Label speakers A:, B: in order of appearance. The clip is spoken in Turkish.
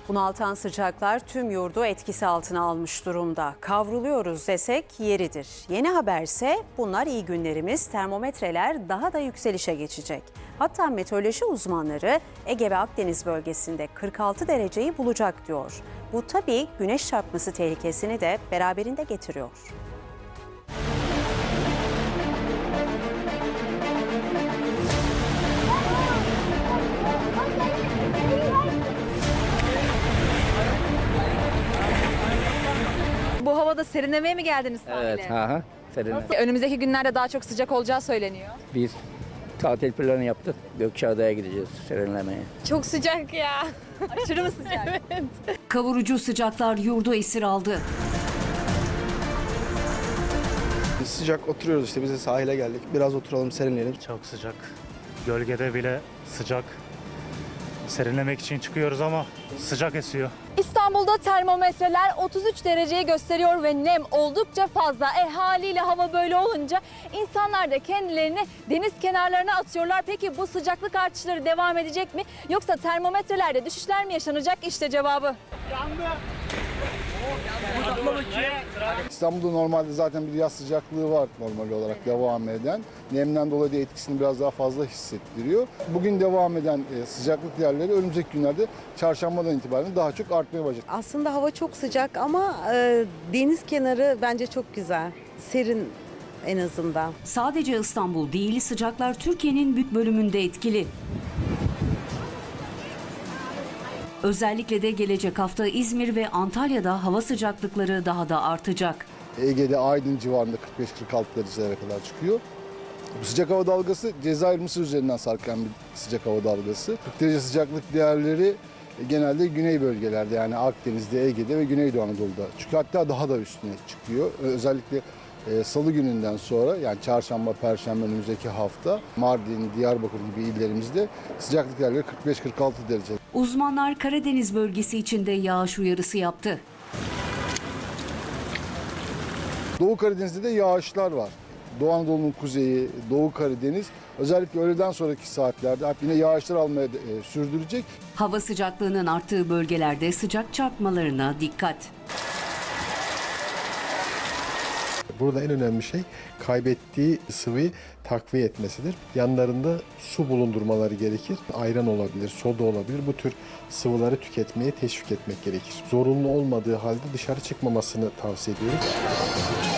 A: Bunaltan sıcaklar tüm yurdu etkisi altına almış durumda. Kavruluyoruz desek yeridir. Yeni haberse bunlar iyi günlerimiz, termometreler daha da yükselişe geçecek. Hatta meteoroloji uzmanları Ege ve Akdeniz bölgesinde 46 dereceyi bulacak diyor. Bu tabii güneş çarpması tehlikesini de beraberinde getiriyor.
B: Bu havada serinlemeye mi geldiniz sahile?
C: Evet, serinle.
B: Önümüzdeki günlerde daha çok sıcak olacağı söyleniyor.
C: Biz tatil planı yaptık. Gökçeada'ya gideceğiz serinlemeye.
B: Çok sıcak ya. Aşırı mı sıcak? Evet.
D: Kavurucu sıcaklar yurdu esir aldı.
E: Sıcak oturuyoruz işte, biz de sahile geldik. Biraz oturalım, serinleyelim.
F: Çok sıcak. Gölgede bile sıcak. Serinlemek için çıkıyoruz ama sıcak esiyor.
B: İstanbul'da termometreler 33 dereceyi gösteriyor ve nem oldukça fazla. Haliyle hava böyle olunca insanlar da kendilerini deniz kenarlarına atıyorlar. Peki bu sıcaklık artışları devam edecek mi? Yoksa termometrelerde düşüşler mi yaşanacak? İşte cevabı.
G: İstanbul'da normalde zaten bir yaz sıcaklığı var normal olarak devam eden. Nemden dolayı da etkisini biraz daha fazla hissettiriyor. Bugün devam eden sıcaklık değerleri önümüzdeki günlerde çarşambadan itibaren daha çok artmaya başlayacak.
H: Aslında hava çok sıcak ama deniz kenarı bence çok güzel. Serin en azından.
D: Sadece İstanbul değil, sıcaklar Türkiye'nin büyük bölümünde etkili. Özellikle de gelecek hafta İzmir ve Antalya'da hava sıcaklıkları daha da artacak.
G: Ege'de Aydın civarında 45-46 derecelere kadar çıkıyor. Bu sıcak hava dalgası Cezayir Mısır üzerinden sarkan bir sıcak hava dalgası. 40 derece sıcaklık değerleri genelde güney bölgelerde, yani Akdeniz'de, Ege'de ve Güneydoğu Anadolu'da çıkıyor. Hatta daha da üstüne çıkıyor. Özellikle Salı gününden sonra, yani çarşamba, perşembe önümüzdeki hafta Mardin, Diyarbakır gibi illerimizde sıcaklık değerleri 45-46 derece.
D: Uzmanlar Karadeniz bölgesi için de yağış uyarısı yaptı.
G: Doğu Karadeniz'de de yağışlar var. Doğu Anadolu'nun kuzeyi, Doğu Karadeniz özellikle öğleden sonraki saatlerde yine yağışlar almaya sürdürecek.
D: Hava sıcaklığının arttığı bölgelerde sıcak çarpmalarına dikkat.
I: Burada en önemli şey kaybettiği sıvıyı takviye etmesidir. Yanlarında su bulundurmaları gerekir. Ayran olabilir, soda olabilir. Bu tür sıvıları tüketmeye teşvik etmek gerekir. Zorunlu olmadığı halde dışarı çıkmamasını tavsiye ediyoruz.